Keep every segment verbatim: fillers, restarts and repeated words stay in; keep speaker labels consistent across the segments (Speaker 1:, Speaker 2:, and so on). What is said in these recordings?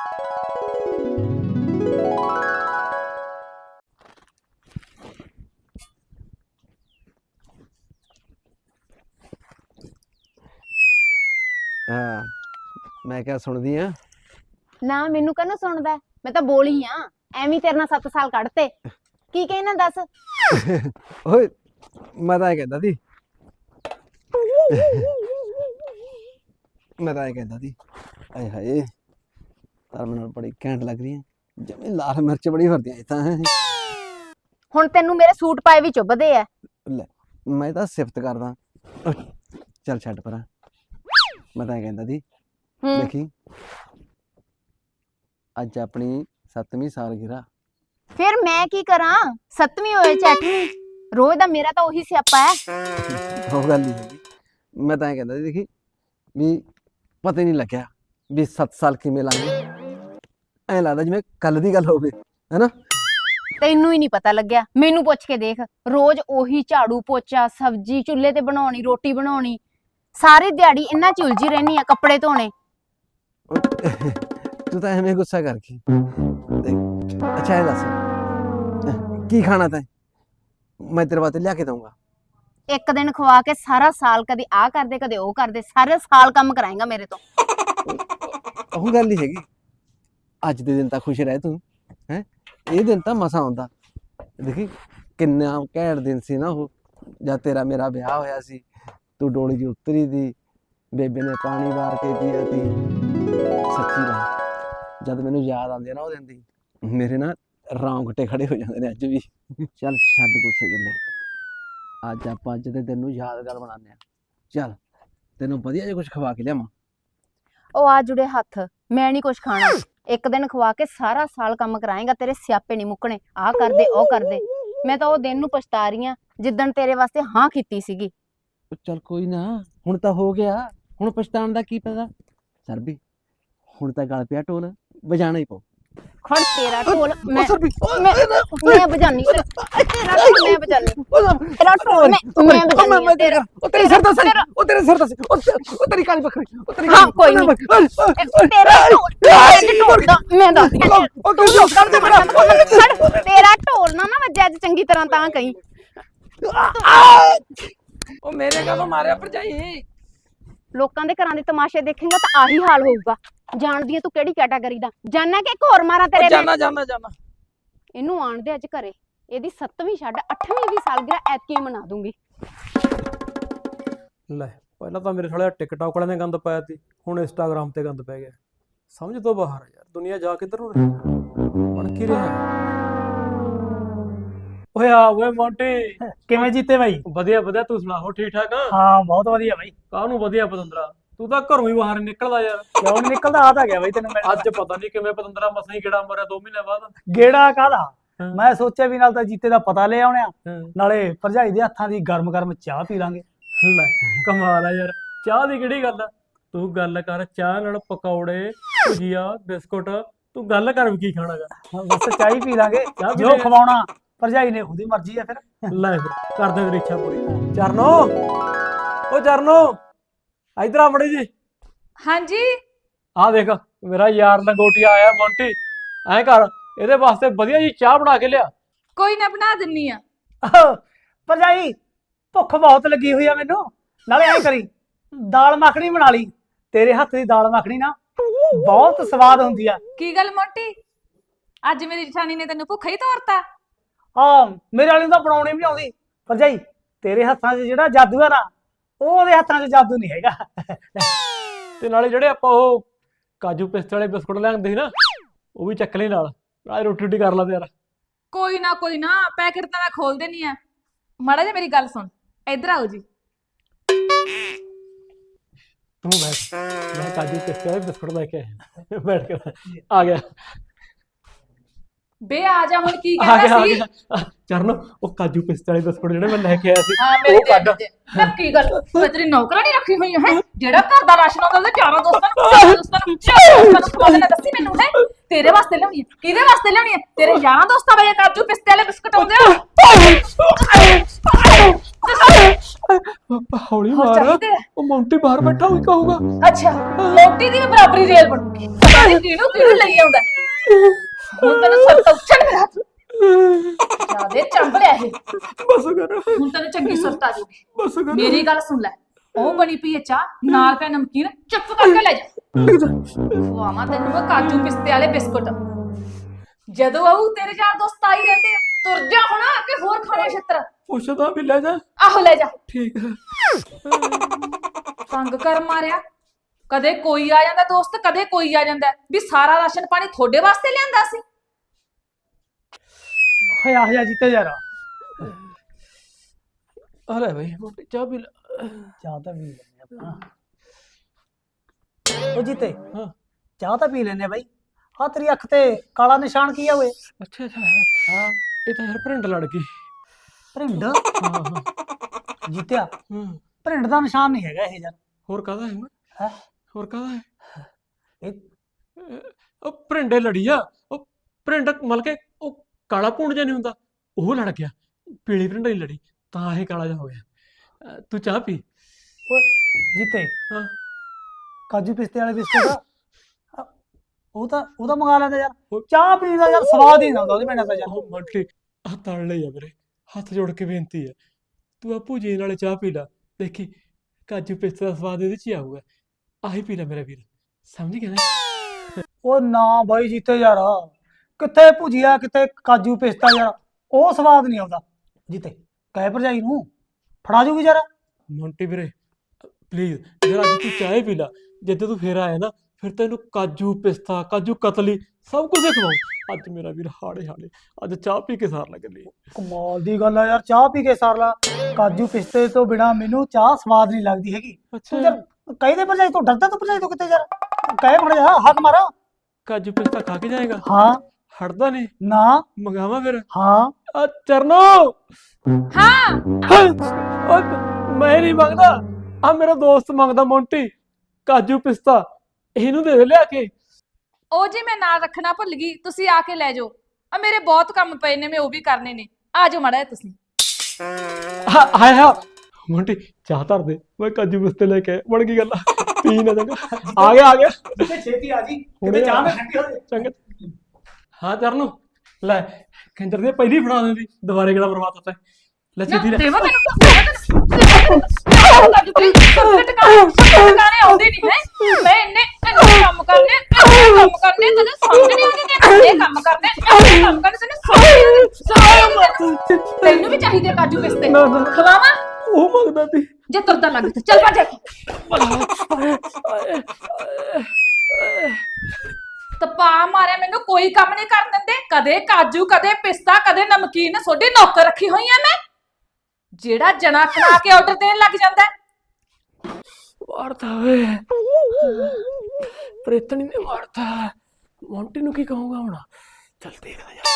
Speaker 1: हाँ मैं क्या सुनदी हाँ
Speaker 2: ना मैनू कहना सुनदा मैं तो बोली हाँ एवं तेरे नाल सत्त साल कढ़ते की कहना दस
Speaker 1: ओए मैं तो कहता थी मैं तो कहता थी आए हाय तार मेरे बड़ी घैंट लग रही है जमी लाल मिर्च बड़ी भरती है
Speaker 2: हुण तैनू मेरे सूट पाए भी चुभदे आ
Speaker 1: ले मैं तो सिफत करदा चल छड्ड परा मैं तो कहता थी देखी अज अपनी सतवीं सालगिरह
Speaker 2: फिर मैं की करा सतवीं होए चाहे अठवीं रोज दा मेरा तो वही स्यापा है
Speaker 1: वो गल नहीं है मैं तो कहता थी देखी भी पता ही नहीं लग्या भी सत्त साल किवें लंघ गए ऐ लगदा जिवें कल दी गल होवे है ना
Speaker 2: तैनू ही नहीं पता लग्या मैनू पुछ के देख रोज ओही झाड़ू पोचा सब्जी चुल्हे ते बनाउणी रोटी बनाउणी सारी दिहाड़ी इन्ना च उलझी रहनी है कपड़े धोने
Speaker 1: तू तो एवें गुस्सा करके अच्छा है दस की खाना तैं मैं तेरे वास्ते लिया के दूंगा
Speaker 2: एक दिन खवा के सारा साल कदे आ कर दे कदे ओ कर दे सारे साल काम कराएगा मेरे तो
Speaker 1: ਉਹ ਗੱਲ ਹੀ ਹੈਗੀ ਅੱਜ ਦੇ ਦਿਨ ਤਾਂ ਖੁਸ਼ ਰਹਿ ਤੂੰ ਹੈ ਇਹ ਦਿਨ ਤਾਂ ਮਸਾ ਆਉਂਦਾ ਦੇਖੀ ਕਿੰਨਾ ਘੈਂਟ ਦਿਨ ਸੀ ਨਾ ਉਹ ਜਦ ਤੇਰਾ ਮੇਰਾ ਵਿਆਹ ਹੋਇਆ ਸੀ ਤੂੰ ਡੋਲੀ ਦੀ ਉਤਰੀ ਦੀ ਬੇਬੇ ਨੇ ਪਾਣੀ ਵਾਰ ਕੇ ਪੀਆ ਤੀ ਸੱਚੀ ਗੱਲ ਜਦ ਮੈਨੂੰ ਯਾਦ ਆਉਂਦੀ ਆ ਨਾ ਉਹ ਦਿਨ ਦੀ ਮੇਰੇ ਨਾ ਰੌਂਗਟੇ ਖੜੇ ਹੋ ਜਾਂਦੇ ਨੇ ਅੱਜ ਵੀ ਚੱਲ ਛੱਡ ਗੁੱਸੇ ਗੱਲੇ ਅੱਜ ਆਪਾਂ ਅੱਜ ਦੇ ਦਿਨ ਨੂੰ ਯਾਦਗਾਰ ਬਣਾਉਂਦੇ ਆ ਚੱਲ ਤੈਨੂੰ ਵਧੀਆ ਜਿਹਾ ਕੁਝ ਖਵਾ ਕੇ ਲਿਆਵਾਂ
Speaker 2: ओ आ जुड़े हथ मैं नहीं कुछ खाना एक दिन खवा के सारा साल काम कराएगा तेरे स्यापे नहीं मुकने आ कर दे ओ कर दे मैं तो ओ दिन नू पछता रही हां जिद्दण तेरे वास्ते हां कीती सीगी
Speaker 1: चल कोई ना हुण तां हो गया हुण पछताण दा की पता सर भी हुण तां गल पिया ढोल बजाना ही पौ
Speaker 2: खड़ तेरा ढोल मैं मैं मैं बजानी तेरा ढोल मैं बजानी तेरा ढोल मैं मैं बजानी तेरा
Speaker 1: ओ तेरे सर दा सर ओ तेरे सर दा ओ तेरी काली बकरी ओ तेरी
Speaker 2: हां कोई नहीं तेरा ढोल मैं ढोल दा मैं दस
Speaker 1: ओ तू कर दे मेरा
Speaker 2: खड़ तेरा ढोल ना ना वजे अज चंगी तरह तां कहीं
Speaker 3: ओ मेरे का तो मारे पर जाई
Speaker 2: लोकां दे घरां दे तमाशे देखेंगा तो आही हाल होऊगा जानदी है तू केड़ी कैटेगरी दा जाना कि एक होर मारा तेरे
Speaker 3: जाना जाना जाना
Speaker 2: इनू आण दे अज घरे एदी सत्तवीं छड्ड अठवीं दी सालगिरह ऐतकी मना दूंगी
Speaker 3: ले पहला तो मेरे साले टिकटॉक वाले ने गंद पाया थी हुण इंस्टाग्राम ते गंद पै गया समझ तो बाहर है यार दुनिया जा किधर नु बन की रहा ओए आ ओए मोंटी
Speaker 4: किवें जीते भाई
Speaker 3: ਵਧੀਆ ਵਧੀਆ ਤੂੰ ਸੁਣਾ ਹੋ ਠੀਕ ਠਾਕ
Speaker 4: हाँ बहुत वधिया भाई
Speaker 3: ਕਾਹਨੂੰ ਵਧੀਆ ਪਤੰਦਰਾ ਤੂੰ ਤਾਂ ਘਰੋਂ ਹੀ ਬਾਹਰ ਨਿਕਲਦਾ ਯਾਰ
Speaker 4: क्यों नहीं निकलदा आ था गया भाई तेन मैं
Speaker 3: ਅੱਜ ਪਤਾ ਨਹੀਂ ਕਿਵੇਂ ਪਤੰਦਰਾ ਮਸਾਂ ਹੀ ਗੇੜਾ ਮਾਰਿਆ ਦੋ ਮਹੀਨੇ ਬਾਅਦ
Speaker 4: गेड़ा कादा मैं सोचा भी नाल तां जीते दा पता ले आउणे आ नाले भरजाई दे हत्थां दी गरम गरम चाह पी लांगे
Speaker 3: ਲੈ ਕਮਾਲ ਆ ਯਾਰ ਚਾਹ ਦੀ ਕਿਹੜੀ ਗੱਲ ਆ ਤੂੰ ਗੱਲ ਕਰ ਚਾਹ ਨਾਲ ਪਕੌੜੇ ਭੁਜੀਆ ਬਿਸਕੁਟ ਤੂੰ ਗੱਲ ਕਰ ਵੀ ਕੀ ਖਾਣਾਗਾ
Speaker 4: बस चाह ही पी लांगे
Speaker 3: चाह पी
Speaker 4: जो
Speaker 3: लेंगे।
Speaker 4: खवाउणा भरजाई ने खुद ही मर्जी है फिर
Speaker 3: ਲੈ ਫਿਰ ਕਰਦੇ ਤੇਰੀ ਇੱਛਾ ਪੂਰੀ ਚਰਨੋ ਓ ਚਰਨੋ ਇਧਰ ਆ ਮੜੀ ਜੀ
Speaker 5: ਹਾਂਜੀ
Speaker 3: ਆ ਦੇਖ ਮੇਰਾ ਯਾਰ ਲੰਗੋਟੀਆ ਆਇਆ ਮੌਂਟੀ ਐ ਕਰ ਇਹਦੇ ਵਾਸਤੇ ਵਧੀਆ ਜੀ ਚਾਹ ਬਣਾ ਕੇ ਲਿਆ
Speaker 5: ਕੋਈ ਨਾ ਬਣਾ ਦਿੰਨੀ ਆ
Speaker 4: भरजाई भुख बहुत लगी हुई है मैनू नाले ऐ करी दाल मखनी बना ली तेरे हत्थ दी दाल मखनी ना बहुत स्वाद हुंदी आ
Speaker 5: ਕੀ ਗੱਲ ਮੋਟੀ ਅੱਜ ਮੇਰੀ ਜਠਾਣੀ ਨੇ ਤੈਨੂੰ ਭੁੱਖਾ ਹੀ ਤੋਰਤਾ
Speaker 4: हाँ मेरे वाली तो बनाउणी भी नहीं आउंदी भरजाई तेरे हत्थां 'ਚ ਜਿਹੜਾ ਜਾਦੂ है ना ਉਹਦੇ ਹੱਥਾਂ 'ਚ ਜਾਦੂ ਨਹੀਂ ਹੈਗਾ
Speaker 3: ਤੇ ਨਾਲੇ ਜਿਹੜੇ ਆਪਾਂ ਉਹ ਕਾਜੂ ਪਿਸਤੇ ਵਾਲੇ ਬਿਸਕੁਟ ਲਿਆਂਦੇ ਸੀ ਨਾ ਉਹ ਵੀ ਚੱਕ ਲਈ ਨਾਲ ਨਾਲੇ ਰੋਟੀ ਰੋਟੀ ਕਰ ਲਾ ਤੇ ਯਾਰ
Speaker 5: ਕੋਈ ਨਾ ਕੋਈ ਨਾ ਪੈਕੇਟ ਤਾਂ ਮੈਂ ਖੋਲ ਦੇਣੀ ਆ ਮਾੜਾ ਜਿਹਾ ਮੇਰੀ ਗੱਲ ਸੁਣ ਇੱਧਰ ਆਓ ਜੀ
Speaker 3: ਤੂੰ ਬੈਠ ਮੈਂ ਕਾਜੂ ਪਿਸਤੇ ਵਾਲੇ ਬਿਸਕੁਟ ਲੈ ਕੇ ਆਇਆ ਬੈਠ ਕੇ ਆ ਗਿਆ
Speaker 5: ਬੇ ਆ ਜਾ ਹੁਣ ਕੀ
Speaker 3: ਆ
Speaker 5: ਕਹਿੰਦਾ
Speaker 3: ਗਿਆ ਆ
Speaker 5: ਸੀ
Speaker 3: ਗਿਆ ਚਰਨੋ ਉਹ ਕਾਜੂ ਪਿਸਤੇ ਵਾਲੇ ਬਿਸਕੁਟ ਜਿਹੜੇ ਮੈਂ ਲੈ ਕੇ ਆਇਆ ਸੀ
Speaker 5: ਹਾਂ ਮੇਰੇ
Speaker 3: ਉਹ ਕੱਢ
Speaker 5: ਨਾ ਕੀ ਗੱਲ ਮੈਂ ਤੇਰੀ ਨੌਕਰਾਨੀ ਰੱਖੀ ਹੋਈ ਹੈ ਜਿਹੜਾ ਘਰ ਦਾ ਰਾਸ਼ਨ ਆਉਂਦਾ ਉਹਦੇ ਚਾਰਾਂ ਦੋਸਤਾਂ ਨੂੰ ਚਾਰਾਂ ਦੋਸਤਾਂ ਨੂੰ ਚਾਰਾਂ ਦੋਸਤਾਂ ਨੂੰ ਖਵਾਉਣਾ ਦੱਸੀ ਮੈਨੂੰ ਹੈ ਤੇਰੇ ਵਾਸਤੇ ਲਿਆਉਣੀ ਹੈ ਕਿਹਦੇ ਵਾਸਤੇ ਲਿਆਉਣੀ ਹੈ ਤੇਰੇ ਯਾਰਾਂ ਦੋਸਤਾਂ ਵੇ ਕਾਜੂ ਪਿਸਤੇ ਵਾਲੇ ਬਿਸਕੁਟ ਆਉਂਦੇ ਆ
Speaker 3: ਹੌਲੀ ਮਾਰ ਉਹ ਮੌਂਟੀ ਬਾਹਰ ਬਾਹਰ ਬੈਠਾ ਹੋਈ ਕਹੂਗਾ।
Speaker 5: ਅੱਛਾ ਰੋਟੀ ਦੀ ਵੀ ਬਰਾਬਰੀ ਰੇਲ ਬਣੂਗੀ। ਪਤਾ ਨੀ ਕਿਹਨੂੰ ਕਿਹਨੂੰ ਲਈ ਆਉਂਦਾ ਹੁਣ ਤੈਨੂੰ ਸਭ ਤੋਂ ਉੱਚਣ ਮੇਰਾ ਜਿਆਦੇ ਚੰਬਲਿਆ ਇਹ
Speaker 3: ਬਸ ਕਰ
Speaker 5: ਹੁਣ ਤੈਨੂੰ ਚੰਗੀ ਸੁਰਤ ਆ ਜਾਊਗੀ।
Speaker 3: ਬਸ ਕਰ
Speaker 5: ਮੇਰੀ ਗੱਲ ਸੁਣ ਲੈ ਉਹ ਬਣੀ ਪਈ ਹੈ ਚਾਹ ਨਾਲ ਪੈ ਨਮਕੀਨ ਚੁੱਪ ਕਰਕੇ ਲੈ ਜਾ ਖਵਾਵਾਂ ਤੈਨੂੰ ਮੈਂ ਕਾਜੂ ਪਿਸਤੇ ਵਾਲੇ ਬਿਸਕੁਟ ਜਦੋਂ ਆਊ ਤੇਰੇ ਯਾਰ ਦੋਸਤ ਆਈ ਰਹਿੰਦੇ ਆ ਤੁਰ ਜਾ ਹੁਣ ਕਿ ਹੋਰ ਖਾਣੇ ਛਿੱਤਰ
Speaker 3: ਪੁੱਛਦਾ ਵੀ ਲੈ ਜਾ।
Speaker 5: ਆਹੋ ਲੈ ਜਾ
Speaker 3: ਠੀਕ ਹੈ।
Speaker 5: ਤੰਗ ਕਰ ਮਾਰਿਆ ਕਦੇ ਕੋਈ ਆ ਜਾਂਦਾ ਦੋਸਤ ਕਦੇ ਕੋਈ ਆ ਜਾਂਦਾ ਵੀ ਸਾਰਾ ਰਾਸ਼ਨ ਪਾਣੀ ਤੁਹਾਡੇ ਵਾਸਤੇ ਲਿਆਂਦਾ ਸੀ।
Speaker 4: ਹੋਇਆ ਹੋਇਆ ਜੀਤੇ ਯਾਰ
Speaker 3: ਆ ਲੈ ਬਈ ਮੋਟੀ ਚਾਹ ਪੀ ਲੈ।
Speaker 4: ਚਾਹ ਤਾਂ ਪੀ ਲੈਂਦੇ ਆਪਾਂ ਉਹ ਜੀਤੇ
Speaker 3: ਹਾਂ
Speaker 4: ਚਾਹ ਤਾਂ ਪੀ ਲੈਂਦੇ ਬਾਈ ਆ ਤੇਰੀ ਅੱਖ ਤੇ ਕਾਲਾ ਨਿਸ਼ਾਨ ਕੀ ਆ ਓਏ
Speaker 3: ਅੱਛਾ ਅੱਛਾ
Speaker 4: ਹਾਂ
Speaker 3: ਇਹ ਤਾਂ ਯਾਰ ਭਰਿੰਡ ਲੜ ਗਈ।
Speaker 4: ਭਰਿੰਡ
Speaker 3: ਹਾਂ ਹਾਂ
Speaker 4: ਜੀਤਿਆ
Speaker 3: ਹਾਂ
Speaker 4: ਭਰਿੰਡ ਦਾ ਨਿਸ਼ਾਨ ਨਹੀਂ ਹੈਗਾ ਇਹ ਯਾਰ
Speaker 3: ਹੋਰ ਕਾਹਦਾ ਹੈ ਮੈਂ
Speaker 4: ਹੈਂ?
Speaker 3: ਹੋਰ ਕਾਹਦਾ ਹੈ
Speaker 4: ਇਹ
Speaker 3: ਉਹ ਭਰਿੰਡੇ ਲੜੀ ਆ ਉਹ ਭਰਿੰਡ ਮਤਲਬ ਕਿ ਉਹ ਕਾਲਾ ਭੂੰਡ ਜਿਹਾ ਨਹੀਂ ਹੁੰਦਾ ਉਹ ਲੜ ਗਿਆ ਪੀਲੀ ਭਰਿੰਡ ਨਹੀਂ ਲੜੀ ਤਾਂ ਇਹ ਕਾਲਾ ਜਿਹਾ ਹੋ ਗਿਆ। ਅਹ ਤੂੰ ਚਾਹ ਪੀ।
Speaker 4: ਓਏ ਜੀਤੇ
Speaker 3: ਹਾਂ
Speaker 4: ਕਾਜੂ ਪਿਸਤੇ ਵਾਲੇ ਬਿਸਕੁਟ ਆ, ਉਹ ਤਾਂ ਉਹ ਤਾਂ ਮੰਗਾ ਲੈਂਦਾ ਯਾਰ
Speaker 3: ਉਹ-
Speaker 4: ਚਾਹ ਪੀਣ ਦਾ ਯਾਰ ਸਵਾਦ ਹੀ ਨਾ ਹੁੰਦਾ ਉਹਦੇ ਬਿਨਾਂ ਤਾਂ ਯਾਰ
Speaker 3: ਉਹ ਮੰਟਲੀ ਆ ਤੜ ਲਈ ਆ ਵੀਰੇ ਹੱਥ ਜੋੜ ਕੇ ਬੇਨਤੀ ਹੈ ਤੂੰ ਆ ਭੂਜੀ ਨਾਲੇ ਚਾਹ ਪੀ ਲੈ ਦੇਖੀ ਕਾਜੂ ਪਿਸਤੇ ਦਾ ਸਵਾਦ ਇਹਦੇ ਚ ਹੀ ਆਊਗਾ ਆਹੀ ਪੀ ਲੈ ਮੇਰਾ ਵੀਰ ਸਮਝ ਗਿਆ ਨਾ।
Speaker 4: ਉਹ ਨਾ ਬਾਈ ਜੀਤੇ ਯਾਰ ਕਿੱਥੇ ਭੁਜੀਆ ਕਿਤੇ ਕਾਜੂ ਪਿਸਤਾ ਯਾਰ ਉਹ ਸਵਾਦ ਨਹੀਂ ਆਉਂਦਾ ਜੀਤੇ ਕਹਿ ਭਰਜਾਈ ਨੂੰ ਫੜਾ ਜੂਗੀ ਯਾਰ
Speaker 3: ਮੋਂਟੀ ਵੀਰੇ ਪਲੀਜ਼ ਜਰਾ ਅੱਜ ਤੂੰ ਚਾਹ ਹੀ ਪੀ ਲੈ ਜਿੱਦੇ ਤੂੰ ਫੇਰ ਆਇਆ ਨਾ ਫਿਰ ਤੈਨੂੰ ਕਾਜੂ ਪਿਸਤਾ ਕਾਜੂ ਕਤਲੀ ਸਭ ਕੁਝ ਖਵਾਉਂ। ਅੱਜ ਮੇਰਾ ਵੀਰ ਹਾੜੇ ਹਾੜੇ ਅੱਜ ਚਾਹ ਪੀ ਕੇ ਸਾਰ ਲੱਗ ਲਈ।
Speaker 4: ਕਮਾਲ ਦੀ ਗੱਲ ਆ ਯਾਰ ਚਾਹ ਪੀ ਕੇ ਸਾਰ ਲਾ ਕਾਜੂ ਪਿਸਤੇ ਤੋਂ ਬਿਨਾ ਮੈਨੂੰ ਚਾਹ ਸਵਾਦ ਨਹੀਂ ਲੱਗਦੀ ਹੈਗੀ ਤੂੰ ਯਾਰ ਕਹੀ ਦੇ ਭਰਜਾਈ ਤੋਂ ਡਰਦਾ ਤੂੰ ਭਰਜਾਈ ਤੋਂ ਕਿਤੇ ਯਾਰ ਕਹਿ ਫੜ ਜਾ ਹੱਥ ਮਾਰਾ
Speaker 3: ਕਾਜੂ ਪਿਸਤਾ ਖਾ ਕੇ ਜਾਏਗਾ
Speaker 4: ਹਾਂ
Speaker 3: ਹਟਦਾ ਨਹੀਂ
Speaker 4: ਨਾ
Speaker 3: ਮੰਗਾਵਾ ਫਿਰ
Speaker 4: ਹਾਂ
Speaker 3: ਆ ਚਰਨੋ
Speaker 5: ਹਾਂ
Speaker 3: ਓਏ ਮੈਂ ਨਹੀਂ ਮੰਗਦਾ ਆ ਮੇਰਾ ਦੋਸਤ ਮੰਗਦਾ ਮੋਂਟੀ ਕਾਜੂ ਪਿਸਤਾ ਇਹਨੂੰ ਦੇ ਦੇ ਲਿਆ ਕੇ।
Speaker 5: ਉਹ ਜੀ ਮੈਂ ਨਾਲ ਰੱਖਣਾ ਭੁੱਲ ਗਈ ਤੁਸੀਂ ਆ ਕੇ ਲੈ ਜਾਓ ਆ ਮੇਰੇ ਬਹੁਤ ਕੰਮ ਪਏ ਨੇ ਮੈਂ ਉਹ ਵੀ ਕਰਨੇ ਨੇ ਆ ਜਾਓ ਮਾੜਾ ਜਿਹਾ ਤੁਸੀਂ
Speaker 3: ਹਾਂ ਹਾਏ ਹਾਂ ਮੋਂਟੀ ਚਾਹ ਧਰ ਦੇ ਮੈਂ ਕਾਜੂ ਪਿਸਤੇ ਲੈ ਕੇ ਬਣ ਗਈ ਗੱਲ ਪੀ ਨਾ ਚੰਗਾ ਆ ਗਿਆ ਆ ਗਿਆ
Speaker 4: ਜਿੱਤੇ ਛੇਤੀ ਆ ਜੀ
Speaker 3: ਹੁਣੇ
Speaker 4: ਕਿਤੇ ਚਾਹ
Speaker 3: ਆ।
Speaker 4: ਨਾ ਠੰਡੀ ਹੋ ਜਾਏ
Speaker 3: ਚੰਗਾ ਹਾਂ ਚਰਨੋ ਲੈ ਕੰਜਰ ਦੇ ਪਹਿਲੀ ਫੜਾ ਦਿੰਦੀ ਦੁਬਾਰੇ ਕਿਹੜਾ ਬਰਬਾਦ ਹੁੰਦਾ ਲੈ ਛੇਤੀ ਲੈ
Speaker 5: ਦੇਵਾ ਤੈਨੂੰ ਕਾਜੂ ਪਿਸਤੇ ਟਿਕਾਣੇ ਆਉਂਦੇ ਨਹੀਂ ਹੈ ਮੈਂ ਇੰਨੇ ਇੰਨੇ ਕੰਮ ਕਰਨੇ ਇੰਨੇ ਕੰਮ ਕਰਨੇ ਤੈਨੂੰ ਸਮਝ ਨਹੀਂ ਆਉਂਦੀ ਤੇ ਇਹ ਕੰਮ ਕਰਨੇ ਇਹ ਕੰਮ ਕਰਨੇ ਤੈਨੂੰ ਸਮਝ ਨਹੀਂ ਆਉਂਦੀ ਤੈਨੂੰ ਵੀ ਚਾਹੀਦੇ ਕਾਜੂ ਪਿਸਤੇ
Speaker 3: ਨਾ, ਨਾ।
Speaker 5: ਖਵਾਵਾਂ
Speaker 3: ਉਹ ਮੰਗਦਾ ਸੀ
Speaker 5: ਜੇ ਤੁਰਦਾ ਲੱਗ ਤੇ ਚੱਲ ਭੱਜ ਤਪਾ ਮਾਰਿਆ ਮੈਨੂੰ ਕੋਈ ਕੰਮ ਨਹੀਂ ਕਰਨ ਦਿੰਦੇ ਕਦੇ ਕਾਜੂ ਕਦੇ ਪਿਸਤਾ ਕਦੇ ਨਮਕੀਨ ਤੁਹਾਡੀ ਨੌਕਰ ਰੱਖੀ ਹੋਈ ਆ ਮੈਂ ਜਿਹੜਾ ਜਣਾ ਖਣਾ ਕੇ ਆਰਡਰ ਦੇਣ ਲੱਗ ਜਾਂਦਾ
Speaker 3: ਮਾਰਤਾ ਵੇ ਪ੍ਰੇਤਣੀ ਨੇ ਮਾਰਤਾ ਮੋਂਟੀ ਨੂੰ ਕੀ ਕਹੂੰਗਾ ਹੁਣ ਚੱਲ ਦੇਖਦਾ ਜਾ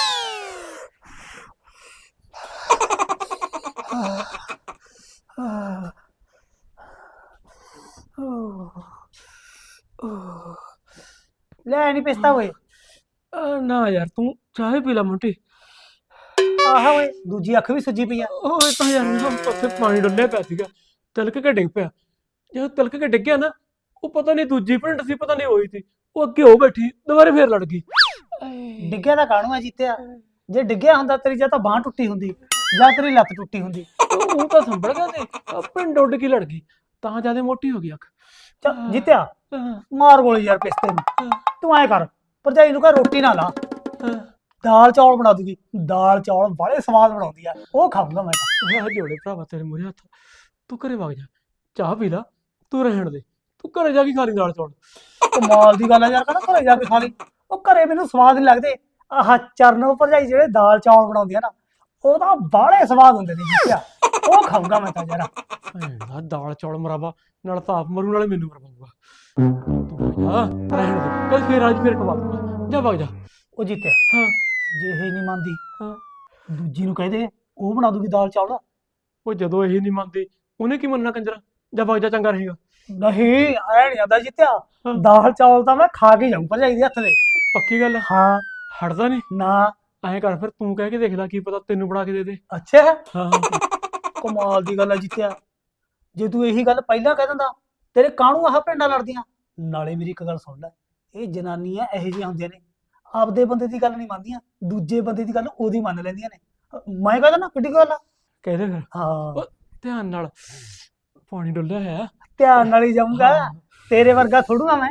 Speaker 4: ਲੈ ਨਹੀਂ ਪਿਸਤਾ ਓਏ
Speaker 3: ਆ, ਨਾ ਯਾਰ ਤੂੰ ਚਾਹ ਹੀ ਪੀ ਲੈ ਮੋਂਟੀ
Speaker 4: ਆਹ ਓਏ ਦੂਜੀ ਅੱਖ ਵੀ ਸੁੱਜੀ ਪਈ ਆ
Speaker 3: ਉਹ ਇਹ ਤਾਂ ਯਾਰ ਨਾ ਉੱਥੇ ਪਾਣੀ ਡੁੱਲਿਆ ਪਿਆ ਸੀਗਾ ਤਿਲਕ ਕੇ ਡਿੱਗ ਪਿਆ ਜਦੋਂ ਤਿਲਕ ਕੇ ਡਿੱਗਿਆ ਨਾ ਉਹ ਪਤਾ ਨਹੀਂ ਦੂਜੀ ਭਿੰਡ ਸੀ ਪਤਾ ਨਹੀਂ ਹੋਈ ਸੀ ਉਹ ਅੱਗੇ ਹੋ ਬੈਠੀ ਦੁਬਾਰੇ ਫੇਰ ਲੜ ਗਈ
Speaker 4: ਡਿੱਗਿਆ ਤਾਂ ਕਾਹਨੂੰ ਆ ਜੀਤਿਆ ਜੇ ਡਿੱਗਿਆ ਹੁੰਦਾ ਤੇਰੀ ਜਾਂ ਤਾਂ ਬਾਹ ਟੁੱਟੀ ਹੁੰਦੀ ਜਾਂ ਤੇਰੀ ਲੱਤ ਟੁੱਟੀ ਹੁੰਦੀ
Speaker 3: ਉਹ ਉਹ ਤਾਂ ਸੰਭਲ ਗਿਆ ਤੇ ਆਹ ਭਿੰਡ ਉੱਡ ਕੇ ਲੜ ਗਈ ਤਾਂ ਜਿਆਦਾ ਮੋਟੀ ਹੋ ਗਈ ਅੱਖ
Speaker 4: ਚੱਲ ਜੀਤਿਆ
Speaker 3: ਹਾਂ,
Speaker 4: ਮਾਰ ਗੋਲੀ ਯਾਰ ਪਿਸਤੇ ਨੂੰ
Speaker 3: ਹਾਂ,
Speaker 4: ਤੂੰ ਐ ਕਰ ਭਰਜਾਈ ਨੂੰ ਕਹ ਰੋਟੀ ਨਾ ਲਾ
Speaker 3: ਹਾਂ।
Speaker 4: ਦਾਲ ਚੌਲ ਬਣਾ ਦੂਗੀ ਦਾਲ ਚੌਲ ਬੜੇ ਸਵਾਦ ਬਣਾਉਂਦੀ ਆ ਉਹ ਖਾਊਂਗਾ ਮੈਂ ਤਾਂ
Speaker 3: ਆਹ ਜੋੜੇ ਭਰਾਵਾ ਤੇਰੇ ਮੂਹਰੇ ਹੱਥ ਤੂੰ ਘਰੇ ਵਗ ਜਾ ਚਾਹ ਪੀ ਲਾ ਤੂੰ ਰਹਿਣ ਦੇ ਤੂੰ ਘਰੇ ਜਾ ਕੇ ਖਾ ਲਈ ਦਾਲ ਚੌਲ
Speaker 4: ਕਮਾਲ ਦੀ ਗੱਲ ਆ ਯਾਰ ਕਹਿੰਦਾ ਘਰੇ ਜਾ ਕੇ ਖਾ ਲਈ ਉਹ ਘਰੇ ਮੈਨੂੰ ਸਵਾਦ ਨਹੀਂ ਲੱਗਦੇ ਆਹ ਚਰਨੋ ਭਰਜਾਈ ਜਿਹੜੇ ਦਾਲ ਚੌਲ ਬਣਾਉਂਦੀ ਆ ਨਾ ਉਹ ਤਾਂ ਬਾਹਲੇ ਸਵਾਦ ਹੁੰਦੇ ਨੇ ਜੀਤਿਆ ਉਹ ਖਾਊਂਗਾ ਮੈਂ ਤਾਂ ਯਾਰ
Speaker 3: ਭੈਣਾ ਦਾਲ ਚੌਲ ਮਰਾਵਾ ਨਾਲ ਤਾਂ ਆਪ ਮਰੂ ਨਾਲੇ ਮੈਨੂੰ ਮਰਵਾਊਗਾ ਤੂੰ ਜਾ ਰਹਿਣ ਦੇ ਕੱਲ ਫੇਰ ਅੱਜ ਫੇਰ ਖਵਾ ਦੂੰਗਾ ਜਾ ਵਗ ਜਾ
Speaker 4: ਉਹ ਜੀਤਿਆ
Speaker 3: ਹਾਂ
Speaker 4: ਜੇ ਇਹ ਨਹੀਂ ਮੰਨਦੀ
Speaker 3: ਹਾਂ
Speaker 4: ਦੂਜੀ ਨੂੰ ਕਹਦੇ ਉਹ ਬਣਾ ਦੂਗੀ ਦਾਲ ਚੌਲ
Speaker 3: ਉਹ ਜਦੋਂ ਇਹ ਨਹੀਂ ਮੰਨਦੀ ਉਹਨੇ ਕੀ ਮੰਨਣਾ ਕੰਜਰਾ ਜਾ ਵਗ ਜਾ ਚੰਗਾ ਰਹੇਗਾ
Speaker 4: ਨਹੀਂ ਐ ਨਹੀਂ ਆਂਦਾ ਜੀਤਿਆ
Speaker 3: ਹਾਂ।
Speaker 4: ਦਾਲ ਚੌਲ ਤਾਂ ਮੈਂ ਖਾ ਕੇ ਜਾਊਂ ਭਰਜਾਈ ਦੇ ਹੱਥ ਦੇ
Speaker 3: ਪੱਕੀ ਗੱਲ ਆ?
Speaker 4: ਹਾਂ
Speaker 3: ਹਟਦਾ ਨਹੀਂ
Speaker 4: ਨਾ
Speaker 3: ਐਂ ਕਰ ਫਿਰ ਤੂੰ ਕਹਿ ਕੇ ਦੇਖ ਲੈ ਕੀ ਪਤਾ ਤੈਨੂੰ ਬਣਾ ਕੇ ਦੇ ਦੇ
Speaker 4: ਅੱਛਾ
Speaker 3: ਹਾਂ
Speaker 4: ਕਮਾਲ ਦੀ ਗੱਲ ਆ ਜੀਤਿਆ ਜੇ ਤੂੰ ਇਹੀ ਗੱਲ ਪਹਿਲਾਂ ਕਹਿ ਦਿੰਦਾ ਤੇਰੇ ਕਾਹਨੂੰ ਆਹ ਪਿੰਡਾਂ ਲੜਦੀਆਂ? ਨਾਲੇ ਮੇਰੀ ਇੱਕ ਗੱਲ ਸੁਣ ਲੈ, ਇਹ ਜਨਾਨੀਆਂ ਇਹੋ ਜਿਹੀਆਂ ਹੁੰਦੀਆਂ ਨੇ, ਆਪਦੇ ਬੰਦੇ ਦੀ ਗੱਲ ਨਹੀਂ ਮੰਨਦੀਆਂ, ਦੂਜੇ ਬੰਦੇ ਦੀ ਗੱਲ ਉਹਦੀ ਮੰਨ ਲੈਂਦੀਆਂ ਨੇ। ਮੈਂ ਕਹਿੰਦਾ ਨਾ ਕਿੱਡੀ ਕੁ ਗੱਲ ਆ।
Speaker 3: ਕਹਦੇ ਫਿਰ
Speaker 4: ਹਾਂ
Speaker 3: ਧਿਆਨ ਨਾਲ, ਪਾਣੀ ਡੁੱਲਿਆ ਹੋਇਆ।
Speaker 4: ਧਿਆਨ ਨਾਲ ਹੀ ਜਾਊਂਗਾ, ਤੇਰੇ ਵਰਗਾ ਥੋੜੂ ਆ ਮੈਂ।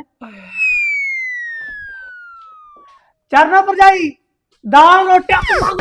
Speaker 4: ਚਰਨਾ ਭਰਜਾਈ ਦਾਲ ਰੋਟੀਆਂ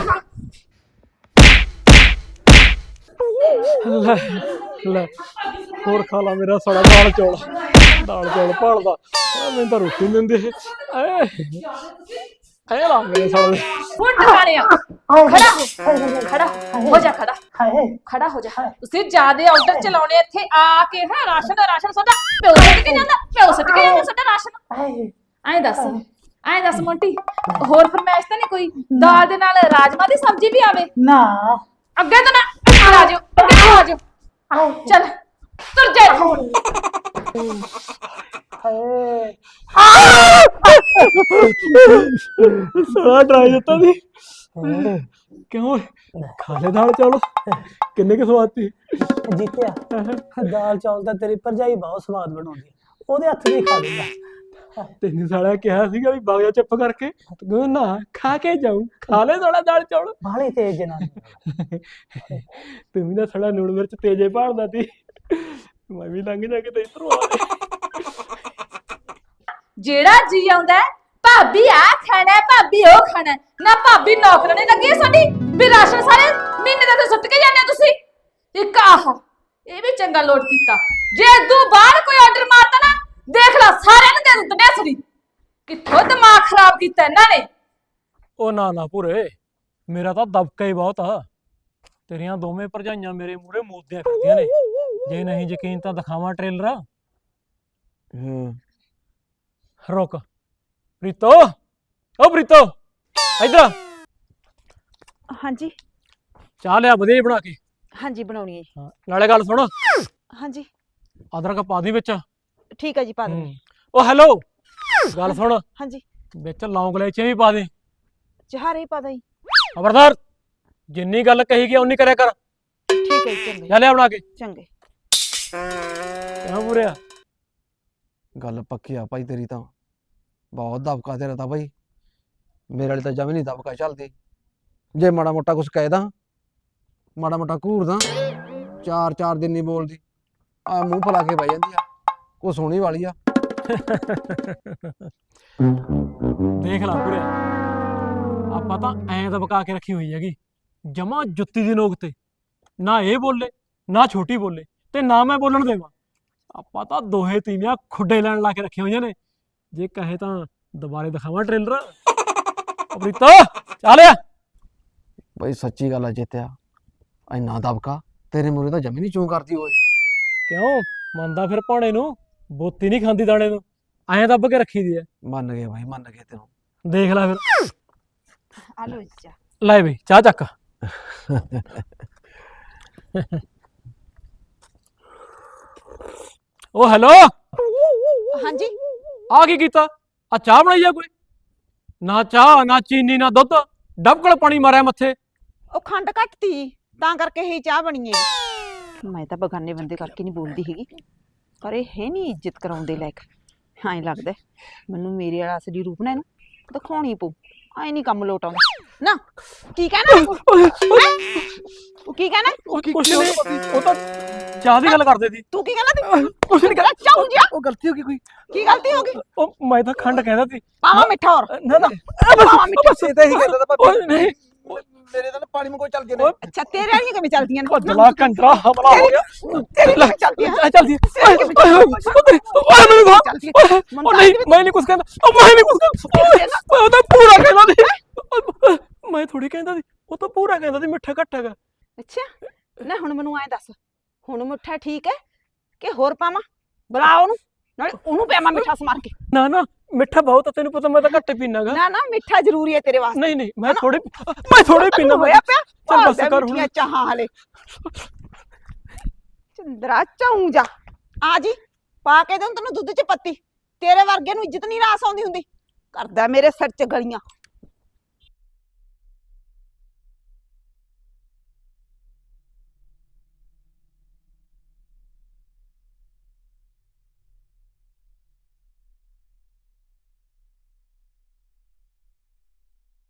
Speaker 3: ਲੈ ਲੈ ਹੋਰ ਖਾ ਲਾ ਮੇਰਾ ਸਾਲਾ ਦਾਲ ਚੌਲ, ਦਾਲ ਚੌਲ ਭਾਲਦਾ ਆ, ਮੈਨੂੰ ਤਾਂ ਰੋਟੀ ਨੀ ਦਿੰਦੇ ਐ ਐ ਲਾ ਮੇਰੇ ਸਾਲੇ।
Speaker 5: ਹੁਣ ਟਿਕਾਣਿਆ ਖੜਾ ਹੋ, ਖੜਾ ਹੋ ਜਾ, ਖੜਾ
Speaker 4: ਹਾਏ
Speaker 5: ਖੜਾ ਹੋ ਜਾ। ਤੁਸੀਂ ਜਿਆਦੇ ਆਰਡਰ ਚਲਾਉਣੇ ਇੱਥੇ ਆ ਕੇ ਹੈ। ਰਾਸ਼ਨ ਰਾਸ਼ਨ ਸਾਡਾ ਪਿਓ ਸੁੱਟ ਕੇ ਜਾਂਦਾ, ਪਿਓ ਸੁੱਟ ਕੇ ਜਾਂਦਾ ਸਾਡਾ ਰਾਸ਼ਨ।
Speaker 4: ਹਾਏ
Speaker 5: ਐਂ ਦੱਸ ਐਂ ਦੱਸ ਮੋਂਟੀ, ਹੋਰ ਫਰਮਾਇਸ਼ ਤਾਂ ਨਹੀਂ ਕੋਈ? ਦਾਲ ਦੇ ਨਾਲ ਰਾਜਮਾ ਦੀ ਸਬਜ਼ੀ ਵੀ ਆਵੇ?
Speaker 4: ਨਾ
Speaker 5: ਅੱਗੇ ਤੋਂ ਨਾ ਆ ਜਾਓ, ਅੱਗੇ ਤੋਂ ਆ ਜਾਓ, ਚੱਲ ਤੁਰ ਜਾ।
Speaker 4: ਹਾਏ
Speaker 3: ਸਾਲਾ ਡਰਾਈ ਦਿੱਤਾ ਸੀ ਕਿਉਂ? ਖਾ ਲੈ ਦਾਲ ਚੌਲ, ਕਿੰਨੇ ਕੁ ਸਵਾਦ ਸੀ।
Speaker 4: ਜੀਤਿਆ, ਦਾਲ ਚੌਲ ਤਾਂ ਤੇਰੀ ਭਰਜਾਈ ਬਹੁਤ ਸਵਾਦ ਬਣਾਉਂਦੀ, ਉਹਦੇ ਹੱਥ ਦੀ ਖਾ ਲੂੰਗਾ।
Speaker 3: ਤੈਨੂੰ ਸਾਲਾ ਕਿਹਾ ਸੀਗਾ ਵੀ ਬਾਗ ਜਾ ਚੁੱਪ ਕਰਕੇ, ਤੂੰ ਨਾ ਖਾ ਕੇ ਜਾਊ, ਖਾ ਲੈ ਸਾਲਾ ਦਾਲ ਚੌਲ।
Speaker 4: ਬਾਹਲੀ ਤੇਜ਼ ਜਨਾਨੀ।
Speaker 3: ਤੂੰ ਵੀ ਨਾ ਸਾਲਾ ਲੂਣ ਮਿਰਚ ਤੇਜੇ ਭਾਲਦਾ ਸੀ, ਮੈਂ ਵੀ ਲੰਘ ਜਾ ਕੇ ਤੇ ਇੱਧਰੋਂ ਆ
Speaker 5: ਜਿਹੜਾ ਜੀ ਆਉਂਦਾ ਭਾਬੀ ਆ ਖਾਣਾ, ਭਾਬੀ ਉਹ ਖਾਣਾ, ਨਾ ਭਾਬੀ ਨੌਕਰਾਨੀ ਲੱਗੀ ਸਾਡੀ ਵੀ ਰਾਸ਼ਨ ਸਾਰੇ ਮਹੀਨੇ ਦਾ ਤੇ ਸੁੱਟ ਕੇ ਜਾਂਦੇ ਤੁਸੀਂ। ਇੱਕ ਆਹ ਇਹ ਵੀ ਚੰਗਾ ਲੋਟ ਕੀਤਾ, ਜੇ ਤੂੰ ਬਾਹਰ ਕੋਈ ਆਰਡਰ ਮਾਰਤਾ ਨਾ ਦੇਖ ਲੈ ਸਾਰਿਆਂ ਨੂੰ ਦੇ ਦੂੰ ਤਨੇਸਰੀ। ਕਿੱਥੋਂ ਦਿਮਾਗ ਖਰਾਬ ਕੀਤਾ ਇਹਨਾਂ ਨੇ।
Speaker 3: ਉਹ ਨਾ ਨਾ ਪੂਰੇ, ਮੇਰਾ ਤਾਂ ਦਬਕਾ ਹੀ ਬਹੁਤ ਆ। ਤੇਰੀਆਂ ਦੋਵੇਂ ਭਰਜਾਈਆਂ ਮੇਰੇ ਮੂਹਰੇ ਮੋਦੀਆਂ ਕਰਦੀਆਂ ਨੇ, ਜੇ ਨਹੀਂ ਯਕੀਨ ਤਾਂ ਦਿਖਾਵਾਂ ਟ੍ਰੇਲਰ।
Speaker 1: ਹੂੰ
Speaker 3: ਰੁਕ ਪ੍ਰੀਤੋ, ਓ ਪ੍ਰੀਤੋ ਇੱਧਰ
Speaker 6: ਹਾਂਜੀ
Speaker 3: ਚਾਹ ਲਿਆ ਵਧੀਆ ਜਿਹੀ ਬਣਾ ਕੇ।
Speaker 6: ਹਾਂਜੀ ਬਣਾਉਣੀ ਹੈ ਜੀ।
Speaker 3: ਹਾਂ, ਨਾਲੇ ਗੱਲ ਸੁਣ,
Speaker 6: ਹਾਂਜੀ
Speaker 3: ਅਦਰਕ ਪਾ ਦੀ ਵਿੱਚ।
Speaker 6: ਠੀਕ ਹੈ ਜੀ ਪਾ ਦਿੰਦੇ।
Speaker 3: ਹੂੰ। ਉਹ ਹੈਲੋ, ਗੱਲ ਸੁਣ,
Speaker 6: ਹਾਂਜੀ
Speaker 3: ਵਿੱਚ ਲੌਂਗ ਇਲਾਇਚੀਆਂ ਵੀ ਪਾ ਦੇ।
Speaker 6: ਚਾਰੇ ਹੀ ਪਾ ਦਾਂ ਜੀ।
Speaker 3: ਖਬਰਦਾਰ, ਜਿੰਨੀ ਗੱਲ ਕਹੀ ਗਈ ਉਨੀ ਕਰਿਆ ਕਰ।
Speaker 6: ਠੀਕ ਹੈ ਜੀ ਚੰਗੇ
Speaker 3: ਜਾ ਲਿਆ ਬਣਾ ਕੇ।
Speaker 6: ਚੰਗੇ।
Speaker 3: ਕਿਉਂ ਪੂਰਿਆ?
Speaker 1: ਗੱਲ ਪੱਕੀ ਆ ਭਾਈ ਤੇਰੀ ਤਾਂ, ਬਹੁਤ ਦਬਕਾ ਤੇਰਾ ਤਾਂ ਭਾਈ। ਮੇਰੇ ਵਾਲੀ ਤਾਂ ਜਮੀ ਨਹੀਂ ਦਬਕਾ ਚੱਲਦੀ। ਜੇ ਮਾੜਾ ਮੋਟਾ ਕੁਛ ਕਹਿਦਾ, ਮਾੜਾ ਮੋਟਾ ਘੂਰਦਾ, ਚਾਰ ਚਾਰ ਦਿਨ ਨਹੀਂ ਬੋਲਦੀ, ਆ ਮੂੰਹ ਫਲਾ ਕੇ ਬਹਿ ਜਾਂਦੀ ਆ। ਕੋ ਸੋਹਣੀ ਵਾਲੀ ਆ।
Speaker 3: ਦੇਖ ਲਾ ਪੂਰਿਆ, ਆਪਾਂ ਤਾਂ ਐਂ ਦਬਕਾ ਕੇ ਰੱਖੀ ਹੋਈ ਹੈਗੀ, ਜਮਾ ਜੁੱਤੀ ਦੀ ਨੋਕ ਤੇ। ਨਾ ਇਹ ਬੋਲੇ, ਨਾ ਛੋਟੀ ਬੋਲੇ, ਤੇ ਨਾ ਮੈਂ ਬੋਲਣ ਦੇਵਾਂ। ਆਪਾਂ ਤਾਂ ਦੋਹੇ ਤੀਵੀਆਂ ਖੁੱਡੇ ਲੈਣ ਲਾ ਕੇ ਰੱਖੀਆਂ ਹੋਈਆਂ ਨੇ। ਜੇ ਕਹੇ ਤਾਂ ਦੁਬਾਰੇ ਦਿਖਾਵਾਂ ਟ੍ਰੇਲਰ। ਪ੍ਰੀਤੋ ਚੱਲ ਆ।
Speaker 1: ਬਈ ਸੱਚੀ ਗੱਲ ਆ ਜਿੱਤਿਆ, ਇੰਨਾ ਦਬਕਾ ਤੇਰੇ ਮੂਹਰੇ ਤਾਂ ਜਮੀ ਨਹੀਂ ਚੂੰ ਕਰਦੀ ਓਏ।
Speaker 3: ਕਿਉਂ ਮੰਨਦਾ ਫਿਰ ਭਾਣੇ ਨੂੰ? ਬੋਤੀ ਨਹੀਂ ਖਾਂਦੀ ਦਾਣੇ ਨੂੰ, ਐਂ ਦੱਬ ਕੇ ਰੱਖੀ ਦੀ ਐ।
Speaker 1: ਮੰਨ ਗਏ ਭਾਈ, ਮੰਨ ਗਏ ਤੈਨੂੰ।
Speaker 3: ਦੇਖ ਲੈ ਫਿਰ।
Speaker 6: ਆ ਲਓ ਜੀ ਚਾਹ।
Speaker 3: ਲੈ ਬਈ ਚਾਹ ਚੱਕ। ਉਹ ਹੈਲੋ,
Speaker 6: ਹਾਂਜੀ
Speaker 3: ਆ ਕੀ ਕੀਤਾ? ਆ ਚਾਹ ਬਣਾਈ ਆ ਕੋਈ? ਨਾ ਚਾਹ, ਨਾ ਚੀਨੀ, ਨਾ ਦੁੱਧ, ਡਬਕਲ ਪਾਣੀ ਮਾਰਿਆ ਮੱਥੇ।
Speaker 6: ਉਹ ਖੰਡ ਘੱਟਤੀ ਤਾਂ ਕਰਕੇ ਹੀ ਚਾਹ ਬਣੀ ਹੈ। ਮੈਂ ਤਾਂ ਬਗਾਨੇ ਬੰਦੇ ਕਰਕੇ ਨਹੀਂ ਬੋਲਦੀ ਹੈਗੀ, ਪਰ ਇਹ ਹੈ ਨਹੀਂ ਇੱਜ਼ਤ ਕਰਾਉਂਦੇ ਲਾਇਕ। ਐਂ ਲੱਗਦਾ ਮੈਨੂੰ ਮੇਰੇ ਵਾਲਾ ਅਸਲੀ ਰੂਪ ਨਾ ਇਹਨੂੰ ਦਿਖਾਉਣੀ ਪਊ। ਐ ਨਹੀਂ ਕੰਮ ਲੋਟ ਆਉਂਦਾ ਨਾ। ਕੀ ਕਹਿਣਾ ਉਹ? ਕੀ ਕਹਿਣਾ?
Speaker 3: ਕੁਛ ਨਹੀਂ, ਉਹ ਤਾਂ ਚਾਹ ਦੀ ਗੱਲ ਕਰਦੇ ਸੀ।
Speaker 6: ਤੂੰ ਕੀ ਕਹਿਣਾ? ਕੁਛ ਨਹੀਂ ਕਹਿਣਾ। ਚਾਹੂ ਜੀ
Speaker 1: ਉਹ ਗਲਤੀ ਹੋ ਗਈ ਕੋਈ।
Speaker 6: ਕੀ ਗਲਤੀ ਹੋ ਗਈ?
Speaker 3: ਉਹ ਮੈਂ ਤਾਂ ਖੰਡ ਕਹਿੰਦਾ ਸੀ।
Speaker 6: ਪਾਵਾ ਮਿੱਠਾ ਹੋਰ
Speaker 3: ਨਾ ਨਾ
Speaker 6: ਪਾਵਾ ਮਿੱਠਾ।
Speaker 1: ਬਸ ਇਹ ਤਾਂ ਹੀ ਕਹਿੰਦਾ ਤਾਂ
Speaker 3: ਓਏ ਨਹੀਂ,
Speaker 1: ਮੇਰੇ ਤਾਂ ਪਾਣੀ ਮੇ ਕੋਈ ਚੱਲ ਗਏ ਨੇ।
Speaker 6: ਅੱਛਾ ਤੇਰੇ ਵਾਲੀਆਂ ਕਿਵੇਂ ਚੱਲਦੀਆਂ ਨੇ?
Speaker 3: ਭੱਜਲਾ ਕੰਜਰਾ ਹਮਲਾ ਹੋ ਗਿਆ।
Speaker 6: ਤੇਰੀ ਕਿਵੇਂ ਚੱਲਦੀਆਂ?
Speaker 3: ਆ ਚੱਲਦੀ ਓਏ ਮੈਨੂੰ ਖਾ। ਉਹ ਨਹੀਂ, ਮੈਂ ਨਹੀਂ ਕੁਛ ਕਹਿੰਦਾ। ਉਹ ਮੈਂ ਨਹੀਂ ਕੁਛ ਕਹਿੰਦਾ। ਉਹ ਤਾਂ ਪੂਰਾ ਕਹਿੰਦਾ ਸੀ। ਮੈਂ ਥੋੜੀ ਕਹਿੰਦਾ ਸੀ, ਉਹ ਤਾਂ ਪੂਰਾ ਕਹਿੰਦਾ ਸੀ ਮਿੱਠਾ ਘੱਟ ਹੈਗਾ।
Speaker 6: ਅੱਛਾ ਨਾ ਹੁਣ ਮੈਨੂੰ ਐਂ ਦੱਸ, ਹੁਣ ਮਿੱਠਾ ਠੀਕ ਹੈ ਕਿ ਹੋਰ ਪਾਵਾਂ? ਬੁਲਾ ਉਹਨੂੰ, ਨਾਲੇ ਉਹਨੂੰ ਪਿਆਵਾਂ ਮਿੱਠਾ ਸਮਾਰ ਕੇ।
Speaker 3: ਨਾ ਨਾ ਮਿੱਠਾ ਬਹੁਤ ਆ, ਤੈਨੂੰ ਪਤਾ ਮੈਂ ਤਾਂ ਘੱਟ ਪੀਣਾਗਾ।
Speaker 6: ਨਾ ਨਾ ਮਿੱਠਾ ਜ਼ਰੂਰੀ ਹੈ ਤੇਰੇ ਵਾਸਤੇ।
Speaker 3: ਨਹੀਂ ਨਹੀਂ ਮੈਂ ਥੋੜੇ ਮੈਂ ਥੋੜੇ ਪੀਣਾ।
Speaker 6: ਹੋਇਆ ਪਿਆ
Speaker 3: ਚੱਲ ਬਸ ਕਰ ਹੁਣ।
Speaker 6: ਮਿੱਠੀਆਂ ਚਾਹਾਂ ਹਲੇ ਚੰਦਰਾ ਚਾਉਂ ਜਾ ਆ ਜੀ ਪਾ ਕੇ ਦੇਉਂ ਤੈਨੂੰ ਦੁੱਧ ਚ ਪੱਤੀ। ਤੇਰੇ ਵਰਗੇ ਨੂੰ ਇੱਜ਼ਤ ਨਹੀਂ ਰਾਸ ਆਉਂਦੀ ਹੁੰਦੀ। ਕਰਦਾ ਮੇਰੇ ਸਿਰ ਚ ਗਲੀਆਂ।